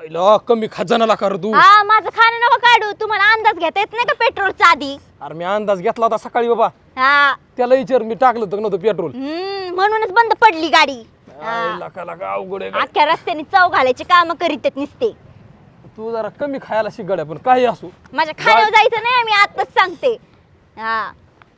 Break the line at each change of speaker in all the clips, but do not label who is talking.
आईला कमी खजानाला कर तू.
हा माझं खाणं नको काढू. तुम्हाला अंदाज घेता येत नाही का पेट्रोलचा आधी?
अरे मी अंदाज घेतला होता सकाळी बाबा.
हा
त्याला विचार मी टाकलं होतं नव्हतं पेट्रोल.
म्हणूनच बंद पडली गाडी.
लका अवघड आहे.
अख्ख्या रस्त्याने चव घालायचे काम करीत आहेत नुसते.
तू जरा कमी खायला शिक गड्या, पण काही असू
माझ्या खाण्यावर जायचं नाही, मी आताच सांगते. हा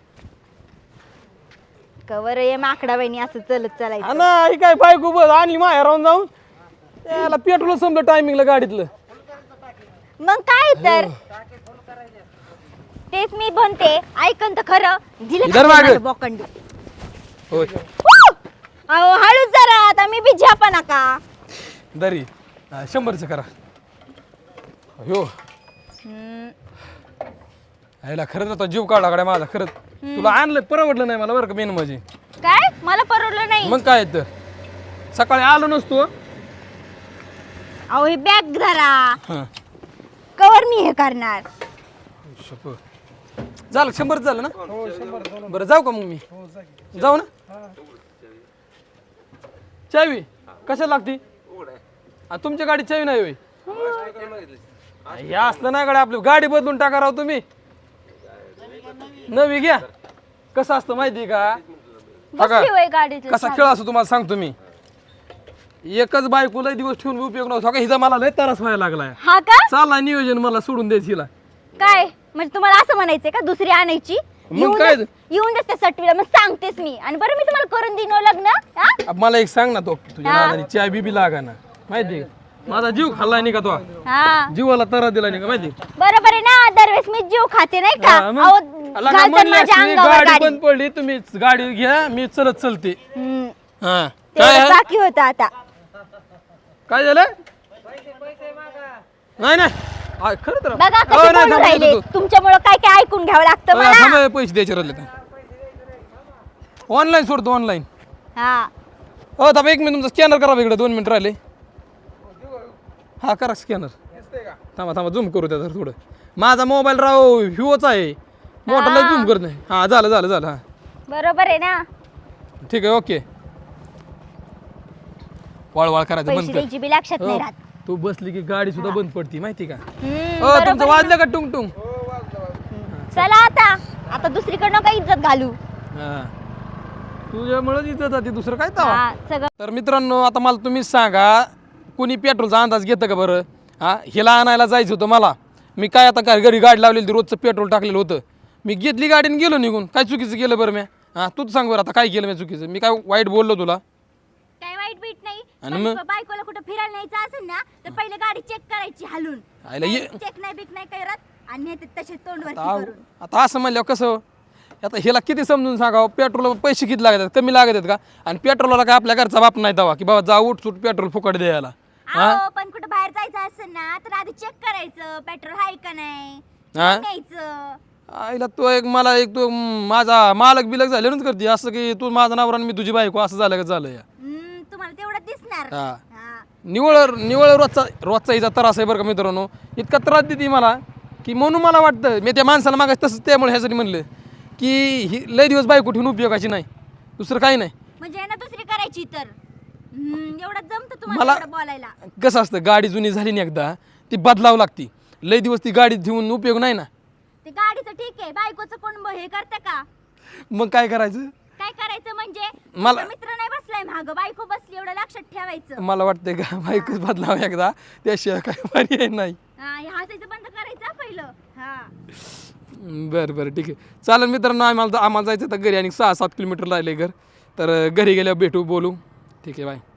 कवर ये माकडा बहिणी असं चलत चालायचं.
ना ही काय बायको बस आणली माहेर राहून जाऊन त्याला पेट्रोल संपलं टायमिंगला गाडीतलं.
मग काय तर तेच मी बनते. ऐकन तर खरं
इधर मागे.
दिलं बोकंडी.
होय
अहो हळूच जरा, आता मी बी झापा नका.
दरी 100चं करा. हो आईला खरंच आता जीव काढला गाड्या माझा. खरंच तुला आणलं परवडलं नाही मला बरं का मेन म्हणजे.
काय मला परवडलं नाही.
मग काय तर सकाळी आलो नसतो.
अहो हे बॅग धरा.
हं.
कवर मी हे करणार.
झालं 100 झालं ना. बरं जाऊ का मग मी. जाऊ ना. चावी कशाला लागती? तुमच्या गाडी चावी नाही होय? हे असलं नाही गाडी, आपली गाडी बदलून टाका राव तुम्ही. नवी घ्या. कसं असतं माहिती का?
बसली होय गाडीत.
कसा खेळ असतो तुम्हाला सांगतो मी. एकच बायको लय दिवस ठेवून उपयोग नव्हता. हिचा मला लय त्रास व्हायला लागलाय.
हा का?
चालला नियोजन मला सोडून द्यायचं हिला.
काय म्हणजे तुम्हाला असं म्हणायचंय का दुसरी आणायची?
मग काय?
येऊन देते सटवीला, मग सांगतेस मी. आणि बरं मी तुम्हाला करून देईन हो लग्न. हा?
अब मला एक सांग ना, तो तुझ्या नादाने चाय बी लागा ना माहिती का? माझा जीव खाल्लाय नाही का तो?
हा
जीवाला तरा दिला नाही का माहिती?
बरोबर आहे ना. दरवेळेस मी जीव खाते नाही का?
हा, मग?
अहो,
आला का
घालतात
म्हणली
माझ्या
असती,
अंगावर
गाडी
गाडी.
बंद पडली तुम्ही गाडी घ्या मी चलत चलते. हा काय
तेवढं
आहे?
बाकी होतं आता.
काय झालं? नाही नाही खरं तर
बघा
हो,
कसे
नाही,
बोलून
थांब,
राहिले.
येतो तू.
तुमच्यामुळं काय काय ऐकून घ्यावं लागतं मला.
थांब, पैसे द्यायचे राहिले तर ऑनलाईन सोडतो ऑनलाईन.
हा
हो थांबा 1 मिनिट, तुमचा स्कॅनर करा इकडे 2 मिनिट राहिले. हा करा स्कॅनर. थांबा झूम करू द्या जर थोडं. माझा मोबाईल राव व्ह्यूच आहे मोठा, लय झूम करत नाही. हा झालं हा
बरोबर आहे ना.
ठीक आहे ओके. वळवळ करायचं
पैसे
बंद कर.
द्यायची बी लक्षात नाही
हो,
राहत.
तू बसली की गाडी सुद्धा बंद पडती माहिती का?
बरोबर
तुमचं
आहे
वाजलं का टुंग टुंग?
चला आता दुसरीकडनं काही इज्जत घालू.
हा तुझ्यामुळेच इथं जाते, दुसरं काय तवा.
हा सगळं
तर मित्रांनो आता मला तुम्ही सांगा, कुणी पेट्रोलचा अंदाज घेतं का बरं? हा हिला आणायला जायचं होतं मला. मी काय आता काय घरी गाडी लावलेली होती, रोजचं पेट्रोल टाकलेलं होतं. मी घेतली गाडीने गेलो निघून. काय चुकीचं केलं बरं मी? हा तूच सांग बरं आता काय केलं मी चुकीचं? मी काय वाईट बोललो तुला?
काय वाईट बीट नाही.
आणि मग?
बायकोला कुठं फिरायला न्यायचं असेल ना तर पहिले गाडी चेक करायची हलून.
आयला ये
चेक नाही बिक नाही करत आणि नेते तसे तोंडवरती करून.
आता असं म्हणल्यावर कसं? आता हिला किती समजून सांगावं? पेट्रोल पैसे किती लागतात? कमी लागत आहेत का? आणि पेट्रोलला काय आपल्या घरचा बाप नाही दवा की बाबा जा उठ सुट पेट्रोल फुकट द्यायला.
अहो पण कुठं बाहेर जायचं असेल ना तर आधी चेक करायचं पेट्रोल आहे का नाही.
हा
न्यायचं.
आईला तो एक मला एक तो माझा मालक बिलक झाल्यानंच करते असं की तू माझा नवरा आणि मी तुझी बायको असं झालं का झालं या.
तुम्हाला तेवढं दिसणार.
हा
हा.
निवळ रोजचा हिचा त्रास आहे बरं का मित्रांनो. इतका त्रास देते मला की म्हणून मला वाटतं मी त्या माणसाला मागायचं तसंच त्यामुळे ह्यासाठी म्हणलं की ही लय दिवस बायको ठेवून उपयोगाची नाही, दुसरं काही नाही.
म्हणजे ना दुसरी करायची तर एवढं जमतं
मला
तुम्हाला एवढं बोलायला.
कसं असतं, गाडी जुनी झाली नाही एकदा ती बदलावं लागती. लय दिवस ती गाडी ठेवून उपयोग नाही ना.
ते गाडीचं ठीक आहे, बायकोचं कोण हे करतं का?
मग काय करायचं?
काय करायचं म्हणजे
मला
मित्र नाही बसलाय मागं, बायको बसली एवढं लक्षात ठेवायचं.
मला वाटतंय का बायकोच बदलावं एकदा, त्याशिवाय काय पर्याय नाही.
हा हे हसायचं बंद करायचं पहिलं. हा
बरं ठीक आहे चालेल मित्रांनो. आम्हाला जायचं तर घरी आणि 6-7 किलोमीटर राहिले घर. तर घरी गेल्यावर भेटू बोलू. ठीक आहे बाय.